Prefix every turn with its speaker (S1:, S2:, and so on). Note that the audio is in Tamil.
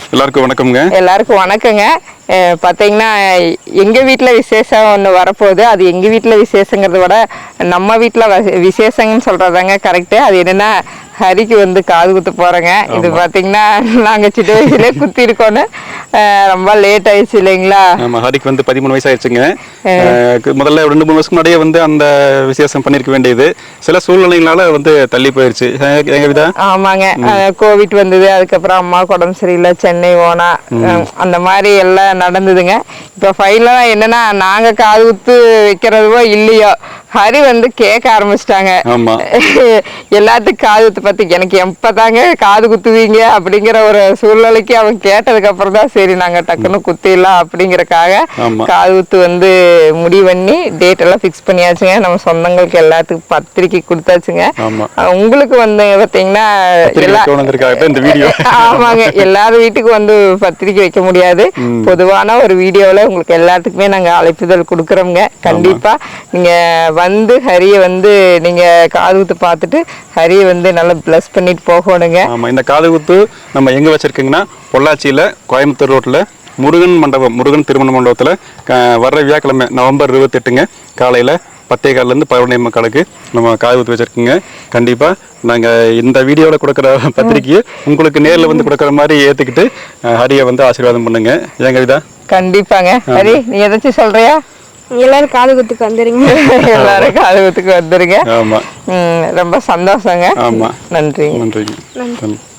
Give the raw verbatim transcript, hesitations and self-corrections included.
S1: எல்லாருக்கும் வணக்கம்ங்க.
S2: எல்லாருக்கும் வணக்கங்க. பார்த்தீங்கன்னா எங்கள் வீட்டில் விசேஷம் ஒன்று வரப்போகுது. அது எங்கள் வீட்டில் விசேஷங்கிறத விட நம்ம வீட்டில் விசேஷங்கன்னு சொல்கிறதாங்க கரெக்டு. அது என்னென்னா ஹரிக்கு வந்து காது குத்து போகிறேங்க. இது பார்த்தீங்கன்னா நாங்கள் சின்ன வயசுலேயே குத்தி இருக்கோன்னு ரொம்ப லேட் ஆயிடுச்சு இல்லைங்களா?
S1: ஆமாம், ஹரிக்கு வந்து பதிமூணு வயசு ஆயிடுச்சுங்க. முதல்ல ரெண்டு மூணு வருஷம் முன்னாடியே வந்து அந்த விசேஷம் பண்ணியிருக்க வேண்டியது சில சூழ்நிலைகளால வந்து தள்ளி போயிடுச்சு. எங்கள் விதா
S2: ஆமாங்க, கோவிட் வந்தது. அதுக்கப்புறம் அம்மா உடம்பு சரியில்லை, சென்னை ஓனா, அந்த மாதிரி எல்லாம் நடந்ததுங்க. இப்போ ஃபைனலாக என்னன்னா நாங்கள் காது குத்து வைக்கிறதுவோ இல்லையோ ஹரி வந்து கேட்க ஆரம்பிச்சிட்டாங்க. எல்லாத்துக்கும் காது குத்து பத்தி எனக்கு எப்பதாங்க காது குத்துவீங்க அப்படிங்கிற ஒரு சூழ்நிலைக்கு அவன் கேட்டதுக்கு அப்புறம் தான் சரி நாங்க டக்குன்னு குத்திடலாம் அப்படிங்கறக்காக காது குத்து வந்து முடிவு பண்ணி டேட் எல்லாம் பிக்ஸ் பண்ணியாச்சுங்க. நம்ம சொந்தங்களுக்கு எல்லாத்துக்கும் பத்திரிக்கை கொடுத்தாச்சுங்க. உங்களுக்கு வந்து பாத்தீங்கன்னா ஆமாங்க, எல்லாரும் வீட்டுக்கு வந்து பத்திரிக்கை வைக்க முடியாது. பொதுவான ஒரு வீடியோல உங்களுக்கு எல்லாத்துக்குமே நாங்க அழைப்புதல் கொடுக்குறோங்க. கண்டிப்பா நீங்க வந்து ஹரிய வந்து நீங்க காது குத்து பார்த்துட்டு ஹரிய வந்து நல்லா பிளஸ் பண்ணிட்டு போகணுங்க.
S1: ஆமா, இந்த காது குத்து நம்ம எங்க வச்சிருக்கீங்கன்னா பொள்ளாச்சியில கோயம்புத்தூர் ரோட்ல முருகன் மண்டபம், முருகன் திருமண மண்டபத்துல வர்ற வியாழக்கிழமை நவம்பர் இருபத்தி எட்டுங்க காலையில பத்தே காலில இருந்து பதினொன்னே முக்காலுக்கு நம்ம காது குத்து வச்சிருக்கோங்க. கண்டிப்பா நாங்க இந்த வீடியோல கொடுக்குற பத்திரிக்கையை உங்களுக்கு நேர்ல வந்து கொடுக்குற மாதிரி ஏத்துக்கிட்டு ஹரிய வந்து ஆசீர்வாதம் பண்ணுங்க. ஏங்க இதா
S2: கண்டிப்பாங்க. ஹரி, நீ எதாச்சும் சொல்றியா?
S3: எல்லாரும் காது குத்துக்கு வந்துருங்க.
S2: எல்லாரும் காது குத்துக்கு வந்துருங்க.
S1: ஆமா,
S2: ரொம்ப சந்தோஷங்க.
S1: ஆமா,
S2: நன்றி
S1: நன்றி.